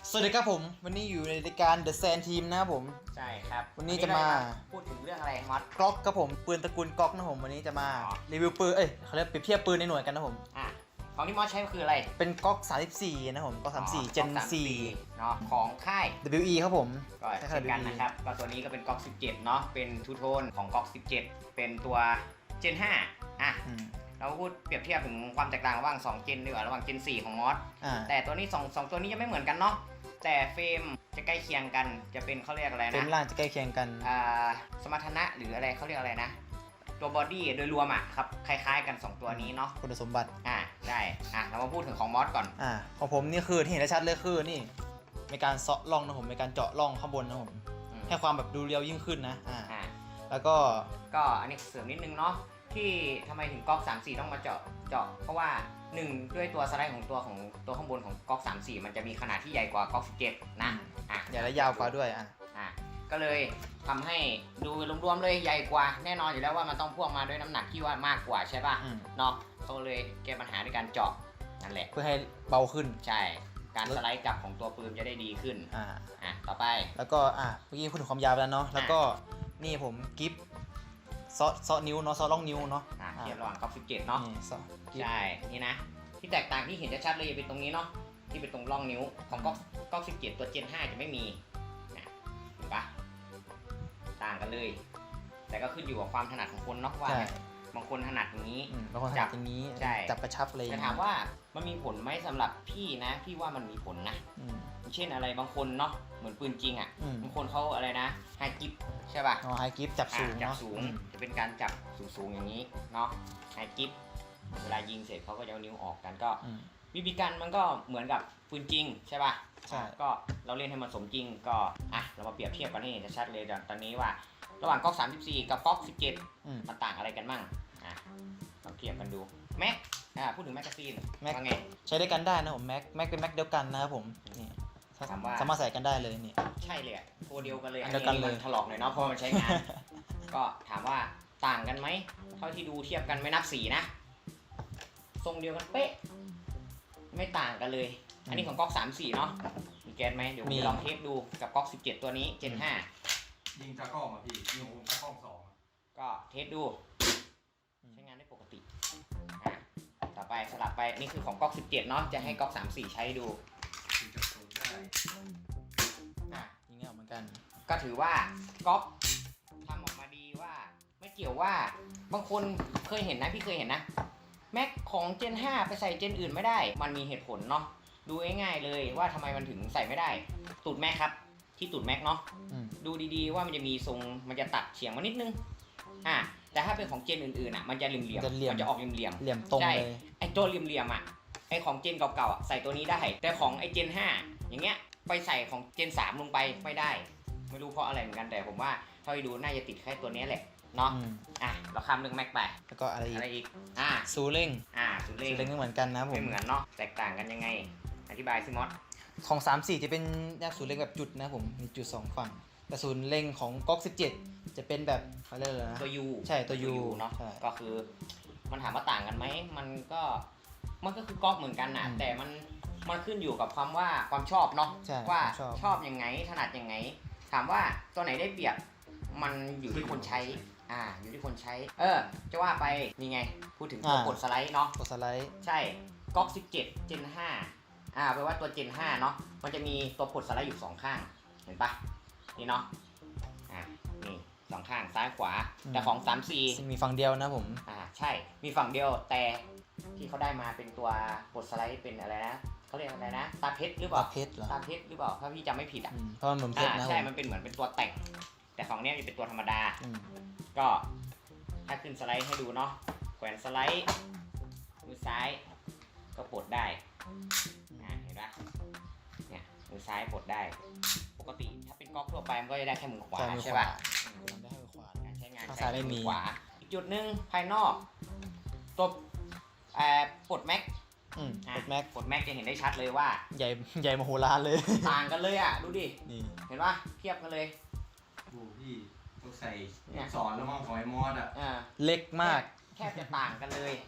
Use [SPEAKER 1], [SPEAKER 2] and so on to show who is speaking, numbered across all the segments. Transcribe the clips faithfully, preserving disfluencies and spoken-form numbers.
[SPEAKER 1] สวัสดีครับผมวันนี้อยู่ในรายการ The Sand Team นะครับผม
[SPEAKER 2] ใช่ครับ
[SPEAKER 1] วันนี้จะมา
[SPEAKER 2] พูดถึงเรื่องอะไรมอส
[SPEAKER 1] กล็อกครับผมปืนตระกูลกล็อกนะผมวันนี้จะมารีวิวปืนเอ้ยเขาเรียกเปรียบเทียบปืนในหน่วยกันนะผม
[SPEAKER 2] อ่ะของที่มอสใช้ก็คืออะไร
[SPEAKER 1] เป็นกล็อกสามสิบสี่นะผมกล็อกสามสิบสี่ Gen สี่
[SPEAKER 2] เนาะของค่าย
[SPEAKER 1] ดับเบิลยู อี ครับผม
[SPEAKER 2] ก็เช่นกันนะครับก็ตัวนี้ก็เป็นกล็อกสิบเจ็ดเนาะเป็นทูโทนของกล็อกสิบเจ็ดเป็นตัว Gen ห้าอ่ะเราพูดเปรียบเทียบถึงความแตกต่างระหว่างสอง Gen ดีกว่าระหว่าง Gen สี่ของมอสแต่ตัวนี้สอง สองตัวนี้ยังไม่เหมือนกันเนาะแต่เฟรมจะใกล้เคียงกันจะเป็นเขาเรียกอะไรนะ
[SPEAKER 1] เฟรมล่างจะใกล้เคียงกัน
[SPEAKER 2] อ่าสมรรถนะหรืออะไรเขาเรียกอะไรนะตัวบอดี้โดยรวมอ่ะครับคล้ายๆกันสองตัวนี้เนาะ
[SPEAKER 1] คุณสมบัติ
[SPEAKER 2] อ่าได้อ่ะเรามาพูดถึงของมอสก่อน
[SPEAKER 1] อ่าของผมนี่คือที่เห็นได้ชัดเลยคือนี่ในการเซาะร่องนะผมในการเจาะร่องข้างบนนะผมให้ความแบบดูเรียวยิ่งขึ้นนะอ่าแล้วก็
[SPEAKER 2] ก็อันนี้เสริมนิดนึงเนาะที่ทำไมถึงก๊อกสามสี่ต้องมาเจาะเจาะเพราะว่าหนึ่งด้วยตัวสไลด์ของตัวของตัวข้างบนของก๊อกสามสี่มันจะมีขนาดที่ใหญ่กว่าก๊อกสิบเจ็ดนะ
[SPEAKER 1] อ่ะใหญ่และยาวกว่าด้วยอ่ะ
[SPEAKER 2] อ่ะก็เลยทำให้ดูรวมๆเลยใหญ่กว่าแน่นอนอยู่แล้วว่ามันต้องพ่วงมาด้วยน้ำหนักที่ว่ามากกว่าใช่ป่ะเนาะเขาเลยแก้ปัญหาด้วยการเจาะนั่นแหละ
[SPEAKER 1] เพื่อให้เบาขึ้น
[SPEAKER 2] ใช่การสไลด์กลับของตัวปืนจะได้ดีขึ้นอ่าอ่ะต่อไป
[SPEAKER 1] แล้วก็อ่ะเมื่อกี้พูดถึงความยาวแล้วเนาะแล้วก็นี่ผมกิฟซอซอนิ้วเนาะซอล่องนิ้วเนาะ
[SPEAKER 2] อ่าเทียบระหว่างก๊อกสิบเจ็ดเนาะใช่นี่นะที่แตกต่างที่เห็นชัดๆเลยเป็นตรงนี้เนาะที่เป็นตรงร่องนิ้วของก๊อกก๊อกสิบเจ็ดตัว Gen ห้าจะไม่มีนะเห็นปะต่างกันเลยแต่ก็ขึ้นอยู่กับความถนัดของคนเนาะว่าบางคนถนัดอย่างนี้
[SPEAKER 1] บางคนถนัดอย่างนี้จับกระชับเลย
[SPEAKER 2] แต่ถามว่ามันมีผลไหมสำหรับพี่นะพี่ว่ามันมีผลนะเช่นอะไรบางคนเนาะเหมือนปืนจริงอ่ะบางคนเขาอะไรนะไฮกิฟใช่ป่ะ
[SPEAKER 1] อ๋อไฮกิฟจับสูง
[SPEAKER 2] จับสูงจะเป็นการจับสูงๆอย่างนี้เนาะไฮกิฟเวลายิงเสร็จเขาก็จะเอานิ้วออกกันก็บีบีกันมันก็เหมือนกับปืนจริงใช่ป่ะ
[SPEAKER 1] ใช่
[SPEAKER 2] ก็เราเล่นให้มันสมจริงก็อ่ะเรามาเปรียบเทียบกันให้เห็นชัดเลยตอนนี้ว่าระหว่างก๊อกสามสิบสี่กับก๊อกสิบเจ็ดมันต่างอะไรกันมั่งอ่ะลองเทียบกันดูแม็กอ่าพูดถึงแมกกาซีน
[SPEAKER 1] แม็ก
[SPEAKER 2] ว่าไง
[SPEAKER 1] ใช้ได้กันได้นะผมแม็กแม็กเป็นแม็กเดียวกันนะครับผมนี่สามารถใส่กันได้เลยนี่
[SPEAKER 2] ใช่เลยตัวเดียวกันเลย
[SPEAKER 1] อันเดียวกันเลย
[SPEAKER 2] ถลอกหน่อยเนาะเพราะมันใช้งานก็ถามว่าต่างกันไหมเท่าที่ดูเทียบกันไม่นับสีนะทรงเดียวกันเป๊ะไม่ต่างกันเลยอันนี้ของก๊อกสามสี่เนาะมีแก๊สไหมเดี๋ยวผมลองเทสดูกับก๊อกสิบเจ็ดตัวนี้ Gen ห้า
[SPEAKER 3] ยิงตะกล้องอ่ะพี่ยิงผมตะกล้องสอง
[SPEAKER 2] ก็เทสดูใช้งานได้ปกติอ่ะต่อไปสลับไปนี่คือของก๊อกสิบเจ็ดเนาะจะให้ก๊อกสามสี่ใช้ดู
[SPEAKER 3] ยิงจับสูงได้
[SPEAKER 2] อ่ะ
[SPEAKER 1] ยิงเงี้ยเหมือนกัน
[SPEAKER 2] ก็ถือว่าก๊อกทำออกมาดีว่าไม่เกี่ยวว่าบางคนเคยเห็นนะพี่เคยเห็นนะแม็กของ Gen ห้าไปใส่ Gen อื่นไม่ได้มันมีเหตุผลเนาะดูง่ายๆเลยว่าทำไมมันถึงใส่ไม่ได้ตูดแม็กครับที่ตูดแม็กเนาะดูดีๆว่ามันจะมีทรงมันจะตัดเฉียงมานิดนึงอ่ะแต่ถ้าเป็นของเจนอื่นๆอ่ะมันจะเหลี่ยมๆมันจะออกเหลี่ยม
[SPEAKER 1] ๆเหลี่ยมตรงเลย
[SPEAKER 2] ไอ้ตัวเหลี่ยมๆอ่ะไอ้ของเจนเก่าๆอ่ะใส่ตัวนี้ได้แต่ของไอ้เจนห้าอย่างเงี้ยไปใส่ของเจนสามลงไปไม่ได้ไม่รู้เพราะอะไรเหมือนกันแต่ผมว่าเท่าที่ดูน่าจะติดแค่ตัวนี้แหละเนาะอ่ะเราข้ามเรื่องแม็กไป
[SPEAKER 1] แล้วก็อะไรอีก
[SPEAKER 2] อะไรอีกอ่ะ
[SPEAKER 1] ซูเร่ง
[SPEAKER 2] อ่ะซูเร่ง
[SPEAKER 1] ซูเร่งก็เหมือนกันนะผม
[SPEAKER 2] ไม่เหมือนเนาะแตกต่างกันยังไงอธิบายซิมอส
[SPEAKER 1] ของสามสี่จะเป็นแยกศูนย์เร่งแบบจุดนะผมมีจุดสองฝั่งแต่ศูนย์เร่งของก๊อกสิบเจ็ดจะเป็นแบบอะไรเลยนะ
[SPEAKER 2] ตัวยู
[SPEAKER 1] ใช่ตัวยู
[SPEAKER 2] เนาะก็คือมันถามว่าต่างกันไหมมันก็มันก็คือก๊อกเหมือนกันนะแต่มันมันขึ้นอยู่กับความว่าความชอบเนาะว่าชอบยังไงถนัดยังไงถามว่าตัวไหนได้เปรียบมันอยู่ที่คนใช้อ่าอยู่ที่คนใช้เออจะว่าไปนี่ไงพูดถึงตัวกดสไลด์เนาะ
[SPEAKER 1] กดสไลด์
[SPEAKER 2] ใช่ก๊อกสิบเจ็ด Gen ห้าอ่าแปลว่าตัว Gen ห้าเนาะมันจะมีตัวกดสไลด์อยู่สองข้างเห็นปะนี่เนาะอ่านี่สองข้างซ้ายขวาแต่ของสามสี่
[SPEAKER 1] มีฝั่งเดียวนะผม
[SPEAKER 2] อ่าใช่มีฝั่งเดียวแต่ที่เขาได้มาเป็นตัวกดสไลด์เป็นอะไรนะเขาเรียกอะไรนะตาเพชรหรือเปล่า
[SPEAKER 1] ตาเพชรเหรอ
[SPEAKER 2] ตาเพชรหรือเปล่าถ้าพี่จำไม่ผิดอ่ะ
[SPEAKER 1] เพราะมันเหมือนเพชรนะ
[SPEAKER 2] ใช่มันเป็นเหมือนเป็นตัวแต่งแต่ของเนี้ยเป็นตัวธรรมดาก็ถ้าขึ้นสไลด์ให้ดูเนาะแขวนสไลด์มือซ้ายก็ปลดได้เห็นปะเนี่ยมือซ้ายปลดได้ปกติถ้าเป็นก๊อกทั่วไปมันก็จะได้แค่มือขวาใช่ป่ะ
[SPEAKER 1] ได้มือขวา
[SPEAKER 2] การใช้งาน
[SPEAKER 1] ใช้มือ
[SPEAKER 2] ขวาอีกจุดหนึ่งภายนอกตัวปลดแม็ก
[SPEAKER 1] ปลดแม็ก
[SPEAKER 2] ปลดแม็กจะเห็นได้ชัดเลยว่า
[SPEAKER 1] ใหญ่ใหญ่มโหฬารเลย
[SPEAKER 2] ต่างกันเลยอ่ะดูดิเห็นปะเทียบกันเลย
[SPEAKER 3] โอ้พี่ต้องใส่สอนแล้วมั้งของไอ้มอสอ่ะ
[SPEAKER 1] เล็กมาก
[SPEAKER 2] แค่จะต่างกันเลย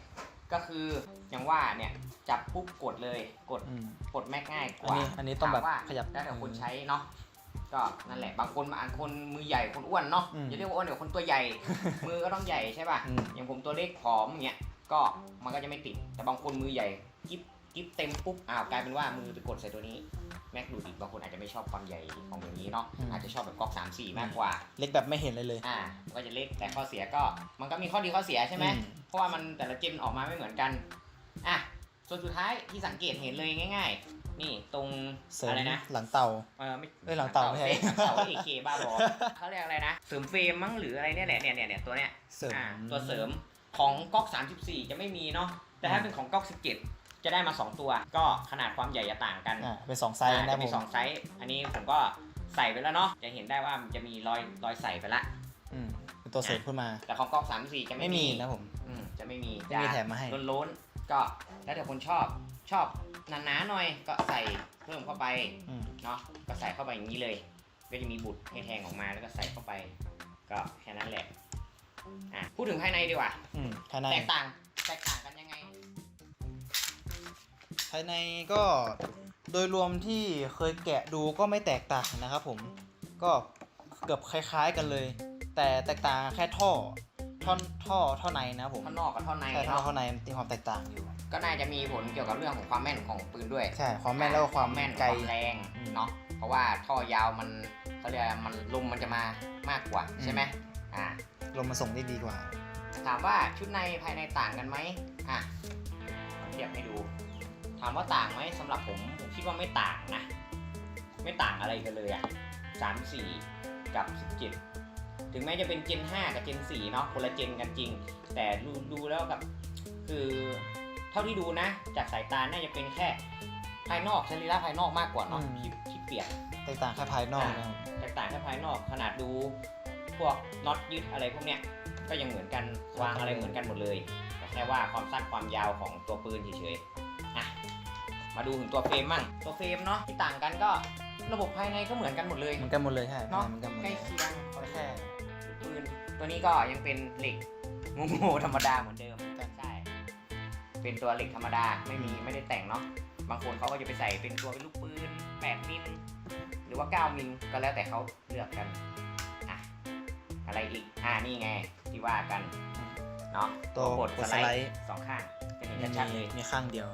[SPEAKER 2] ก็คืออย่างว่าเนี่ยจับปุ๊บกดเลยกด
[SPEAKER 1] อืม
[SPEAKER 2] กดแม็กง่ายก
[SPEAKER 1] อัน
[SPEAKER 2] ว่า
[SPEAKER 1] นี้อันนี้ต้องแบบ
[SPEAKER 2] ถามว่า
[SPEAKER 1] ขยับ
[SPEAKER 2] แล้วแต่คนใช้เนาะก็นั่นแหละบางคนบางคนมือใหญ่คนอ้วนเนาะ
[SPEAKER 1] อืม
[SPEAKER 2] อย่าเรียกว่าอ้วนเดี๋ยวคนตัวใหญ่ มือก็ต้องใหญ่ใช่ป่ะ
[SPEAKER 1] อืม
[SPEAKER 2] อย่างผมตัวเล็กผอมอย่างเงี้ยก็มันก็จะไม่ติดแต่บางคนมือใหญ่กิ๊บกิ๊บเต็มปุ๊บอ้าวกลายเป็นว่ามือไปกดใส่ตัวนี้แม็กดูดิบางคนอาจจะไม่ชอบความใหญ่ของอย่างนี้เนาะอาจจะชอบแบบก๊อกสามสี่มากกว่า
[SPEAKER 1] เล็กแบบไม่เห็นเลยเลย
[SPEAKER 2] อ่าก็จะเล็กแต่ข้อเสียก็มันก็มีข้อดีข้อเสียใช่ไหม
[SPEAKER 1] อืม
[SPEAKER 2] เพราะว่ามันแต่ละเจนออกมาไม่เหมือนกันอ่ะส่วนสุดท้ายที่สังเกตเห็นเลยง่าย ๆ นี่ตรง
[SPEAKER 1] เสริม
[SPEAKER 2] อะไรนะ
[SPEAKER 1] หลังเต่า
[SPEAKER 2] เออไม่
[SPEAKER 1] เอ้ยหลังเต่าไม่ใช่
[SPEAKER 2] หลังเต่าเอเคบ้าบอเขาเรียกอะไรนะเสริมเฟรมมั้งหรืออะไรเนี่ยแหละเนี่ยเนี่ยเนี่ยตัวเนี้ย
[SPEAKER 1] เสริม
[SPEAKER 2] อ่าตัวเสริมของก๊อกสามสิบสี่จะไม่มีเนาะแต่ถ้าเป็นของก๊อกสิบเจ็ดจะได้มาสองตัวก็ขนาดความใหญ่จะต่างกัน
[SPEAKER 1] อ่าเป็นสองไซส์
[SPEAKER 2] อ่า
[SPEAKER 1] นะ
[SPEAKER 2] จะ
[SPEAKER 1] ผ
[SPEAKER 2] มี
[SPEAKER 1] ม
[SPEAKER 2] สองไซส์อันนี้ผมก็ใส่ไปแล้วเนาะจะเห็นได้ว่ามันจะมีรอยรอยใส่ไปละ
[SPEAKER 1] อืมเป็นตัวเสริมขึ้นมา
[SPEAKER 2] แต่ของก๊อกสามสิบสี่จะไม่
[SPEAKER 1] ไม่มีนะผม
[SPEAKER 2] อืมจะไม่มี
[SPEAKER 1] ไม่มีแถมมาให้
[SPEAKER 2] ล้นๆก็แล้วแต่คนชอบชอบหนาๆหน่อยก็ใส่เพิ่มเข้าไป
[SPEAKER 1] อืม
[SPEAKER 2] เนาะก็ใส่เข้าไปอย่างนี้เลยก็จะมีบุตรให้แทงออกมาแล้วก็ใส่เข้าไป ก็แค่นั้นแหละอ่ะพูดถึงภายในดีกว่า
[SPEAKER 1] อืมภายใน
[SPEAKER 2] แตกต่างแตกต่างกันยังไง
[SPEAKER 1] ภายในก็โดยรวมที่เคยแกะดูก็ไม่แตกต่างนะครับผมก็เกือบคล้ายๆกันเลย แต่แตกต่างแค่ท่อท่อนท่อท่อในนะครับผม
[SPEAKER 2] ท่อนนอกกับท่อนใน
[SPEAKER 1] ใช่ท่อ
[SPEAKER 2] เนาะ
[SPEAKER 1] ท่อในมีความแตกต่างอยู่
[SPEAKER 2] ก็น่าจะมีผลเกี่ยวกับเรื่องของความแม่นของปืนด้วย
[SPEAKER 1] ใช่ความแม่นแล้วก็ความ
[SPEAKER 2] แม่น
[SPEAKER 1] ไกล
[SPEAKER 2] ความแรง
[SPEAKER 1] อืม
[SPEAKER 2] เนาะเพราะว่าท่อยาวมันเขาเรียกอะไรมันลมมันจะมามากกว่าใช่ไหมอ่า
[SPEAKER 1] ลมมาส่งได้ดีกว่า
[SPEAKER 2] ถามว่าชุดในภายในต่างกันไหมอ่ะเทียบให้ดู ถามว่าต่างไหมสำหรับผมผมคิดว่าไม่ต่างนะ ไม่ต่างอะไรกันเลยอ่ะสามสี่กับสิบเจ็ดถึงแม้จะเป็นเจนห้ากับเจนสี่เนาะคนละเจนกันจริง แต่ดูดูแล้วกับคือเท่าที่ดูนะ จากสายตาน่าจะเป็นแค่ภายนอกสรีระภายนอกมากกว่าเนาะ
[SPEAKER 1] อืม
[SPEAKER 2] ที่ที่เปลี่ยน
[SPEAKER 1] แตกต่างแค่ภายนอกนะครับ
[SPEAKER 2] แตกต่างแค่ภายนอกขนาดดูพวกน็อตยึดอะไรพวกเนี้ยก็ยังเหมือนกันวางอะไรเหมือนกันหมดเลยแต่แค่ว่าความสั้นความยาวของตัวปืนเฉยๆอ่ะมาดูถึงตัวเฟรมมั่งตัวเฟรมเนาะที่ต่างกันก็ระบบภายในก็เหมือนกันหมดเลย
[SPEAKER 1] เหมือนกันหมดเลยใช่
[SPEAKER 2] เนาะ
[SPEAKER 1] เหมือนกันหมด
[SPEAKER 2] ใก
[SPEAKER 1] เล
[SPEAKER 2] ล้
[SPEAKER 1] ย
[SPEAKER 2] เคียง
[SPEAKER 1] แค่
[SPEAKER 2] ปืนตัวนี้ก็ยังเป็นเหล็กโง่ๆธรรมดาเหมือนเดิมใช่เป็นตัวเหล็กธรรมดาไม่มีไม่ได้แต่งเนาะบางคนเขาก็จะไปใส่เป็นตัวเป็นลูกปืนแปดมิลหรือว่าเก้ามิลก็แล้วแต่เขาเลือกกันอ่ะอะไรอีกอ่านี่ไงที่ว่ากันเนาะ
[SPEAKER 1] ตัว
[SPEAKER 2] กด
[SPEAKER 1] กด
[SPEAKER 2] ส
[SPEAKER 1] ส
[SPEAKER 2] ไล
[SPEAKER 1] ไล
[SPEAKER 2] ด์
[SPEAKER 1] ด์
[SPEAKER 2] สองข้างจะเห็น
[SPEAKER 1] มี
[SPEAKER 2] ชัดๆเลย
[SPEAKER 1] มีข้างเดียว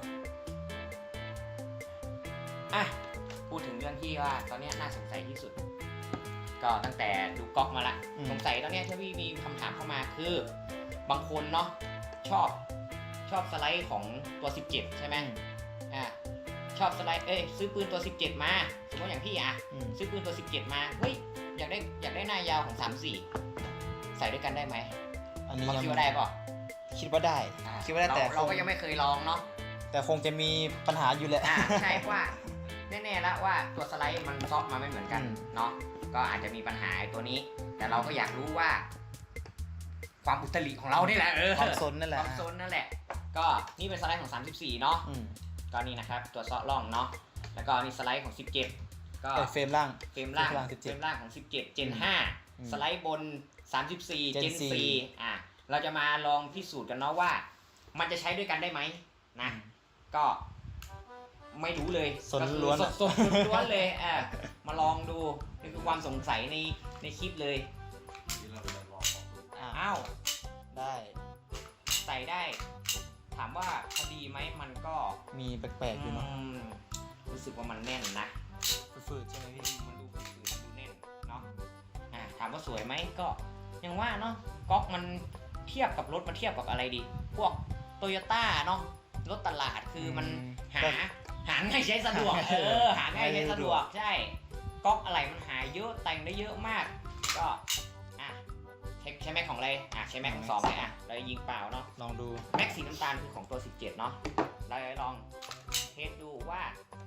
[SPEAKER 2] อ่ะพูดถึงเรื่องที่ว่าตอนนี้น่าสงสัยที่สุด ก็ตั้งแต่ดูก๊อกมาละ
[SPEAKER 1] อืม
[SPEAKER 2] สงสัยตอนนี้ที่พี่มีคำถามเข้ามาคือบางคนเนาะชอบชอบสไลด์ของตัวสิบเจ็ดใช่ไหมอ่ะชอบสไลด์เอ้ยซื้อปืนตัวสิบเจ็ดมาสมมติอย่างพี่อ่ะ
[SPEAKER 1] อืม
[SPEAKER 2] ซื้อปืนตัวสิบเจ็ดมาเฮ้ยอยากได้อยากได้หน้ายาวของสามสี่ใส่ด้วยกันได้ไหม
[SPEAKER 1] อันนี้
[SPEAKER 2] บาง
[SPEAKER 1] ยัง
[SPEAKER 2] คิดว่าได้ป่ะ
[SPEAKER 1] คิดว่าได้
[SPEAKER 2] อ่ะ
[SPEAKER 1] คิดว่าได้แต่
[SPEAKER 2] เราเรา
[SPEAKER 1] คง
[SPEAKER 2] ก็ยังไม่เคยลองเนาะ
[SPEAKER 1] แต่คงจะมีปัญหาอยู่แหละ
[SPEAKER 2] อ่าใช่ว่าแน่ๆแล้วว่าตัวสไลด์มันซอฟต์มาไม่เหมือนกัน
[SPEAKER 1] อืม
[SPEAKER 2] เนาะก็อาจจะมีปัญหาตัวนี้ แต่เราก็อยากรู้ว่า ความอุตริของเรานี่แหละเออ
[SPEAKER 1] ความซนนั่นแห
[SPEAKER 2] ค
[SPEAKER 1] ละ
[SPEAKER 2] วามโซนนั่นแหละ ก็นี่เป็นสไลด์ของสามสิบสี่เนาะ
[SPEAKER 1] อืม
[SPEAKER 2] ก็นี่นะครับตัวเซาะร่องเนาะแล้วก็นี่สไลด์ของสิบเจ็ดก็
[SPEAKER 1] เอ้ยเฟรมล่าง
[SPEAKER 2] เฟรมล่าง
[SPEAKER 1] เฟรมล่างสิบ
[SPEAKER 2] เฟ
[SPEAKER 1] เจ็
[SPEAKER 2] ร
[SPEAKER 1] ด
[SPEAKER 2] มล่างของสิบเจ็ดเจนห้า
[SPEAKER 1] อืม
[SPEAKER 2] สไลด์บนสามสิบสี่
[SPEAKER 1] Gen
[SPEAKER 2] เจน
[SPEAKER 1] สี่
[SPEAKER 2] สี่อ่ะเราจะมาลองพิสูจน์กันเนาะว่า มันจะใช้ด้วยกันได้ไหมนะ ก็ไม่รู้เลย
[SPEAKER 1] สนล้วน
[SPEAKER 2] ก็คือสดๆล้วนๆเลยอ่ะมาลองดูนี่คือความสงสัยในในคลิปเลย
[SPEAKER 3] ที่เราไปลองของดู
[SPEAKER 1] อ่ะ
[SPEAKER 2] อ้าว
[SPEAKER 1] ได้
[SPEAKER 2] ใส่ได้ ถามว่าพอดีไหมมันก็
[SPEAKER 1] มีแปลกๆอยู่เนาะ
[SPEAKER 2] อืมรู้สึกว่ามันแน่นนะ
[SPEAKER 1] ฝืดๆใช่ไหมพี่
[SPEAKER 2] มันดูฝืดๆมันดูแน่นเนาะอ่ะถามว่าสวยไหมก็ยังว่าเนาะก๊อกมันเทียบกับรถมันเทียบกับอะไรดี พวกโตโยต้าเนาะรถตลาดคือมัน หาหาง่ายใช้สะดวก เออหาง่ายใช้สะดวกใช่ก๊อกอะไรมันหาเยอะแต่งได้เยอะมาก ก็อ่ะใช้ใช้แม็กของอะไรอ่ะใช้แม็กของสองเลยอ่ะเรายิงเปล่าเนาะ
[SPEAKER 1] ลองดู
[SPEAKER 2] แม็กสีน้ำตาลคือของตัวสิบเจ็ดเนาะเราจะลองเทสดูว่า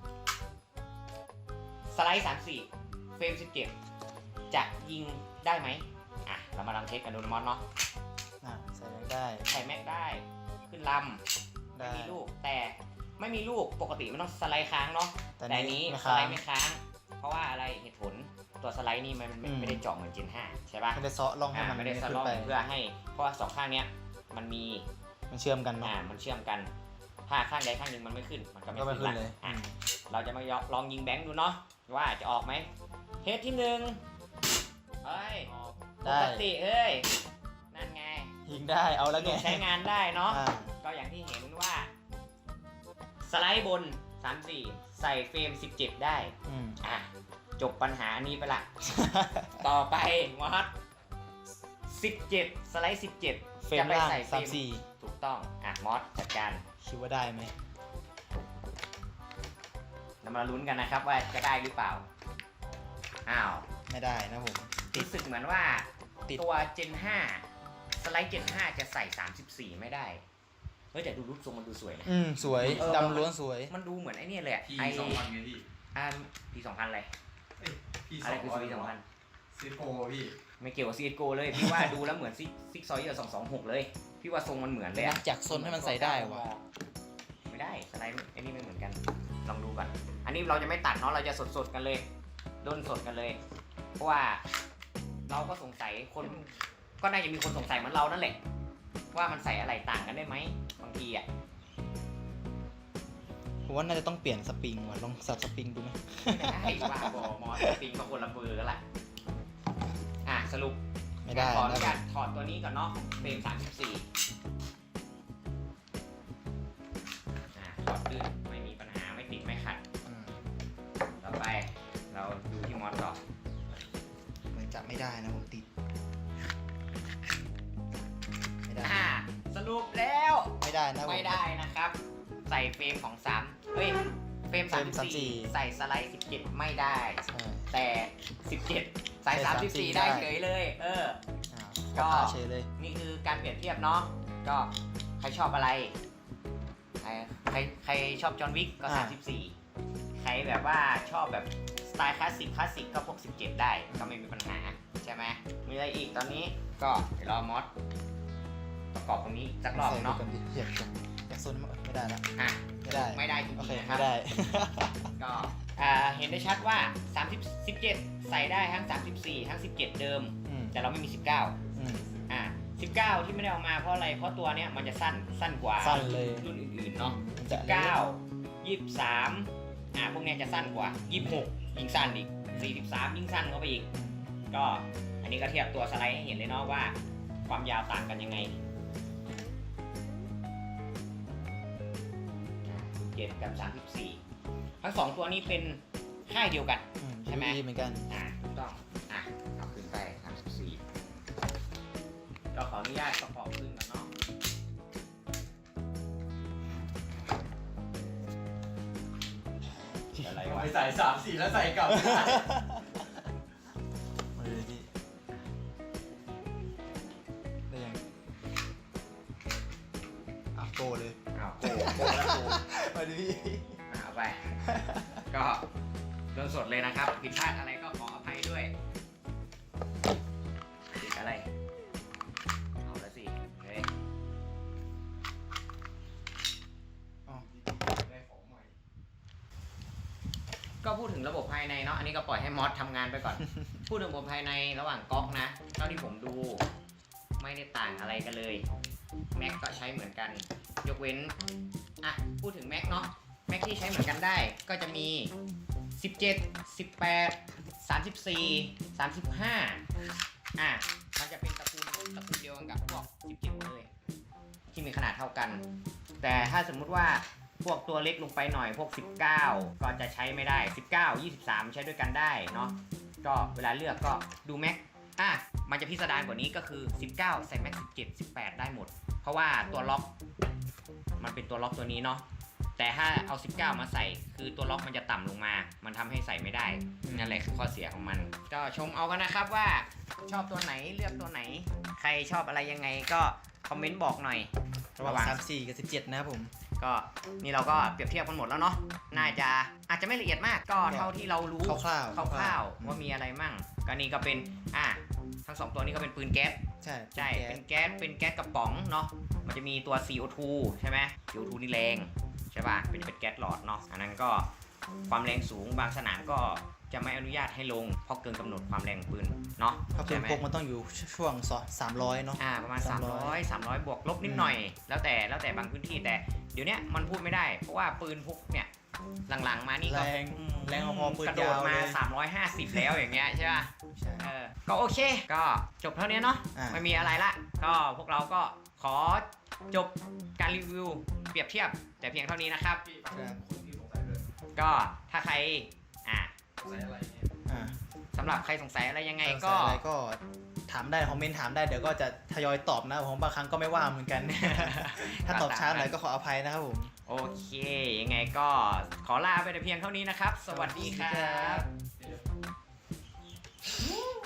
[SPEAKER 2] สไลด์สามสี่เฟรมสิบเจ็ดจะยิงได้ไหมอ่ะเรามาลองเทสกันดูนะมอนเนาะ
[SPEAKER 1] อ่ะใส่แม็กได้
[SPEAKER 2] ใส่แม็กได้ขึ้นลำ
[SPEAKER 1] ได้
[SPEAKER 2] ไม่มีลูกแต่ไม่มีลูกปกติมันต้องสไลด์ค้างเนาะ
[SPEAKER 1] แต่
[SPEAKER 2] แต่อันนี้
[SPEAKER 1] ไม่
[SPEAKER 2] ส
[SPEAKER 1] ค้า
[SPEAKER 2] ไล
[SPEAKER 1] ง
[SPEAKER 2] ด์ไม่ค้าง เพราะว่าอะไรเหตุผลตัวสไลด์นี่มันไม่
[SPEAKER 1] อืม
[SPEAKER 2] ไม่ได้เจาะเหมือนเจนห้าใช่ปะ
[SPEAKER 1] ไม่ได้เซาะล่องให้
[SPEAKER 2] อ่า
[SPEAKER 1] มัน
[SPEAKER 2] ไม่ได้ส
[SPEAKER 1] ขึ้น
[SPEAKER 2] ล็อก
[SPEAKER 1] ไป
[SPEAKER 2] เพื่อให้เพราะว่าสองข้างเนี้ยมันมี
[SPEAKER 1] มันเชื่อมกันเนาะ
[SPEAKER 2] อ่ามันเชื่อมกันถ้าข้างใดข้างหนึ่งมันไม่ขึ้นมันก็ไม่
[SPEAKER 1] ก็ไม่
[SPEAKER 2] ขึ้น
[SPEAKER 1] ขึ้นเลย
[SPEAKER 2] อ่ะเราจะมาลองยิงแบงค์ดูเนาะว่าจะออกไหมเทสที่หนึ่งเอ้ยป
[SPEAKER 1] ได้
[SPEAKER 2] กติเอ้ยนั่นไง
[SPEAKER 1] ยิงได้เอาแล้วไง
[SPEAKER 2] ใช้งานได้เนาะ
[SPEAKER 1] อ่า
[SPEAKER 2] ก็อย่างที่เห็นว่าสไลด์บนสามสี่ใส่เฟรมสิบเจ็ดได้
[SPEAKER 1] อืม
[SPEAKER 2] อ่ะจบปัญหาอันนี้ไปละ ต่อไปมอสสิบเจ็ดสไลด์สิบเจ็ด
[SPEAKER 1] เฟรม
[SPEAKER 2] จะไป
[SPEAKER 1] ล่าง
[SPEAKER 2] ใส่เฟร
[SPEAKER 1] สาม
[SPEAKER 2] ม
[SPEAKER 1] สี่
[SPEAKER 2] ถูกต้องอ่ะมอสจัดการ
[SPEAKER 1] คิดว่าได้ไหม
[SPEAKER 2] เรามาลุ้นกันนะครับว่าจะได้หรือเปล่าอ้าว
[SPEAKER 1] ไม่ได้นะผม
[SPEAKER 2] รู้สึกเหมือนว่า
[SPEAKER 1] ติด
[SPEAKER 2] ตัว เจน ห้าสไลด์ เจน ห้าจะใส่สามสิบสี่ไม่ได้เฮ้ยแต่ดูรูปทรงมันดูสวยนะ
[SPEAKER 1] อืมสวย
[SPEAKER 2] เออ
[SPEAKER 1] ดำล้วนสวย
[SPEAKER 2] มันดูเหมือนไอ้เนี่ยเลยอะ
[SPEAKER 3] พี่
[SPEAKER 2] ไอ
[SPEAKER 3] สองพันไงพี่
[SPEAKER 2] อ่าปีสองพันอะไร
[SPEAKER 3] เอ้ยพี่ส
[SPEAKER 2] อะไร
[SPEAKER 3] อง
[SPEAKER 2] คือ
[SPEAKER 3] ร้อย
[SPEAKER 2] ปีสองพัน
[SPEAKER 3] ซีโฟพี่
[SPEAKER 2] ไม่เกี่ยวกับ ซี เอส จี โอ เลย พี่ว่าดูแล้วเหมือนซิกซิกซอยเยอร์สองสองหกเลย พี่ว่าทรงมันเหมือนเลย
[SPEAKER 1] นั
[SPEAKER 2] อะ
[SPEAKER 1] กจากซนให้มันใส่ได้วะ
[SPEAKER 2] ไม่ได้สไลด์ไอ้นี่ไม่เหมือนกัน ลองดูก่อน อันนี้เราจะไม่ตัดเนาะเราจะสดๆกันเลยด้นสดกันเลย เพราะว่าเราก็สงสัยคนก็น่าจะมีคนสงสัยเหมือนเรานั่นแหละว่ามันใส่อะไรต่างกันได้ไหมบางทีอ่ะ
[SPEAKER 1] ผมว่าน่าจะต้องเปลี่ยนสปริงว่ะลองสับสปริงดูไหม
[SPEAKER 2] ไม่ได้ว่าบอมอสติงก็คนละเบอร์กันละอ่ะสรุป
[SPEAKER 1] ไม่ได้
[SPEAKER 2] ขออนุ
[SPEAKER 1] นะผ
[SPEAKER 2] ญาม ตถอดตัวนี้ก่อนเนาะเฟรมสามสิบสี่อ่ะถอดลื่นไม่มีปัญหาไม่ติดไม่ขัด
[SPEAKER 1] อืม
[SPEAKER 2] ต่อไปเราดูที่มอสต่อ
[SPEAKER 1] เหมือนจะไม่ได้นะผมติด ไม่ได้
[SPEAKER 2] อ่าสรุปแล้ว
[SPEAKER 1] ไม่ได้นะผม
[SPEAKER 2] ไม่ได้นะครับ ใส่เฟรมของสามเฮ้ยเฟรม
[SPEAKER 1] เฟรม
[SPEAKER 2] สามสิบสี่
[SPEAKER 1] สามสิบสี่
[SPEAKER 2] ใส่สไลด์สิบเจ็ดไม่ได้
[SPEAKER 1] ใช่
[SPEAKER 2] แต่สิบเจ็ดใส่
[SPEAKER 1] ใส่
[SPEAKER 2] สามสิบสี่
[SPEAKER 1] สามสิบสี่
[SPEAKER 2] ได้
[SPEAKER 1] ได้
[SPEAKER 2] เฉยเลย เออ
[SPEAKER 1] อ่า
[SPEAKER 2] ก็
[SPEAKER 1] ก็เฉยเลย
[SPEAKER 2] นี่คือการเปรียบเทียบเนาะก็ใครชอบอะไรใครใครใครชอบจอห์นวิกก็
[SPEAKER 1] อ่า
[SPEAKER 2] สามสิบสี่ใครแบบว่าชอบแบบสไตล์คลาสสิกคลาสสิกก็พวกสิบเจ็ดได้ก็ไม่มีปัญหาใช่ไหมมีอะไรอีกตอนนี้ก็เดี๋ยวรอมอสประกอบตรงนี้สักรอบ
[SPEAKER 1] ใส่ดู
[SPEAKER 2] เนาะ
[SPEAKER 1] กันดิอยากชมอยากซนมั้ยไม่ได้ละ
[SPEAKER 2] อ่ะ
[SPEAKER 1] ไม่ได้
[SPEAKER 2] ไม่ได้จริ
[SPEAKER 1] โอง เค
[SPEAKER 2] ๆนะครั
[SPEAKER 1] ไม่
[SPEAKER 2] บ
[SPEAKER 1] ได้
[SPEAKER 2] ก็อ่าเห็นได้ชัดว่าสามสิบ สิบเจ็ดใส่ได้ทั้งสามสิบสี่ทั้งสิบเจ็ดเดิม
[SPEAKER 1] อืม
[SPEAKER 2] แต่เราไม่มีสิบเก้า
[SPEAKER 1] อืม
[SPEAKER 2] อ่าสิบเก้าที่ไม่ได้เอามาเพราะอะไรเพราะตัวเนี้ยมันจะสั้นสั้นกว่า
[SPEAKER 1] สั้นเลย
[SPEAKER 2] รุ่นอื่นๆเนาะ
[SPEAKER 1] มันจะ
[SPEAKER 2] เก้ายี่สิบสามอ่าพวกเนี้ยจะสั้นกว่ายี่สิบหกยิ่งสั้นอีกสี่สิบสามยิ่งสั้นเข้าไปอีก ก็อันนี้ก็เทียบตัวสไลด์ให้เห็นเลยเนาะว่าความยาวต่างกันยังไงสิบเจ็ดกับสามสิบสี่ทั้งสองตัวนี้เป็นค่ายเดียวกัน
[SPEAKER 1] อืม
[SPEAKER 2] ใช่ไหม
[SPEAKER 1] เหมือนกัน
[SPEAKER 2] อ่าถูกต้อง อ่ะเอาขึ้นไปสามสิบสี่ก็ขออนุญาตประกอบขึ้นก่อนเนาะอะไร
[SPEAKER 3] ทำ
[SPEAKER 2] วะ
[SPEAKER 3] ไมใส่สามสี่แล้วใส่กลับ
[SPEAKER 1] มาเลยพี่ได้ยังอ่ะโกเลย
[SPEAKER 2] อ้าวโกโกแล้วโก
[SPEAKER 1] มาดิพี่
[SPEAKER 2] อ่ะเอาไป ก็โดนสดเลยนะครับ ผิดพลาดอะไรก็ขออภัยด้วยผิดอะไร เอาละสิเฮ้ย
[SPEAKER 1] อ๋อ
[SPEAKER 3] ได้ของใหม่
[SPEAKER 2] ก็พูดถึงระบบภายในเนาะ อันนี้ก็ปล่อยให้มอสทำงานไปก่อน พูดถึงระบบภายในระหว่างก๊อกนะ เท่าที่ผมดู ไม่ได้ต่างอะไรกันเลย แม็กก็ใช้เหมือนกัน ยกเว้น อ่ะ พูดถึงแม็กเนาะ แม็กที่ใช้เหมือนกันได้ ก็จะมี สิบเจ็ด สิบแปด สามสิบสี่ สามสิบห้า อ่ะ มันจะเป็นตระกูลตระกูลเดียวกันกับพวก สิบเจ็ดเลย ที่มีขนาดเท่ากัน แต่ถ้าสมมุติว่าพวกตัวเล็กลงไปหน่อย พวก สิบเก้า ก็จะใช้ไม่ได้ สิบเก้า ยี่สิบสาม ใช้ด้วยกันได้เนาะ ก็เวลาเลือกก็ดูแม็ก อ่ะ มันจะพิสดารกว่านี้ก็คือ สิบเก้า ใส่แม็ก สิบเจ็ด สิบแปด ได้หมด เพราะว่าตัวล็อก มันเป็นตัวล็อกตัวนี้เนาะ แต่ถ้าเอา สิบเก้า มาใส่ คือตัวล็อกมันจะต่ำลงมา มันทำให้ใส่ไม่ได้ นั่นแหละคือข้อเสียของมัน ก็ชมเอากันนะครับว่าชอบตัวไหนเลือกตัวไหน ใครชอบอะไรยังไงก็คอมเมนต์บอกหน่อย
[SPEAKER 1] ระหว่างสามสี่กับสิบเจ็ดนะครับผม
[SPEAKER 2] ก็นี่เราก็เปรียบเทียบกันหมดแล้วเนาะ น่าจะอาจจะไม่ละเอียดมาก ก็เท่าที่เรารู้
[SPEAKER 1] คร่าวๆ
[SPEAKER 2] คร่าวๆว่ามีอะไรมั่ง ก็นี่ก็เป็น อ่ะ ทั้งสองตัวนี้ก็เป็นปืนแก๊ส
[SPEAKER 1] ใช่
[SPEAKER 2] ใช่
[SPEAKER 1] แก๊
[SPEAKER 2] เป็
[SPEAKER 1] ส
[SPEAKER 2] นแก๊ส เป็นแก๊สกระป๋องเนาะ มันจะมีตัว ซี โอ ทู ใช่ไหม ซี โอ ทู นี่แรงใช่ป่ะ เป็นเป็นแก๊สหลอดเนาะ อันนั้นก็ความแรงสูงบางสนามก็จะไม่อนุญาตให้ลงเพราะเกินกำหนดความแรงของปืนเนาะ
[SPEAKER 1] เพราะปื
[SPEAKER 2] ใช่
[SPEAKER 1] น
[SPEAKER 2] ไหม
[SPEAKER 1] พกมันต้องอยู่ช่วงสามร้อยเนาะ
[SPEAKER 2] อ่าประมาณ
[SPEAKER 1] สามร้อย
[SPEAKER 2] สามร้อย สามร้อยบวกลบนิดหน่อย แล้วแต่แล้วแต่บางพื้นที่แต่เดี๋ยวเนี้ยมันพูดไม่ได้เพราะว่าปืนพกเนี่ยหลังๆมานี่ก็
[SPEAKER 1] แรง
[SPEAKER 2] อืม
[SPEAKER 1] แรงพอๆปืน
[SPEAKER 2] กระโดด
[SPEAKER 1] ยาว
[SPEAKER 2] มา
[SPEAKER 1] เลย
[SPEAKER 2] สามร้อยห้าสิบแล้วอย่างเงี้ยใช่ป่ะ
[SPEAKER 1] ใช่
[SPEAKER 2] เออก็โอเค ก็จบเท่านี้เนาะ
[SPEAKER 1] อ่า
[SPEAKER 2] ไม่มีอะไรละ ก็พวกเราก็ขอจบการรีวิวเปรียบเทียบแต่เพียงเท่านี้นะครับ
[SPEAKER 3] พี่ฟังคนที่สงสัยเลย
[SPEAKER 2] ก็ถ้าใครอ่า
[SPEAKER 3] สงสัยอะไรเนี่ย
[SPEAKER 1] อ่า
[SPEAKER 2] สำหรับใครสงสัยอะไรยังไง
[SPEAKER 1] สง
[SPEAKER 2] ก็
[SPEAKER 1] สัยอะไรก็ถามได้คอมเมนต์ถามได้เดี๋ยวก็จะทยอยตอบนะผมบางครั้งก็ไม่ว่างเหมือนกัน ถ้าตอบช้าหน่อยก็ขออภัยนะครับผม
[SPEAKER 2] โอเค ยังไงก็ขอลาไปแต่เพียงเท่านี้นะครับ สวัสดีครับ
[SPEAKER 3] เดี๋ยว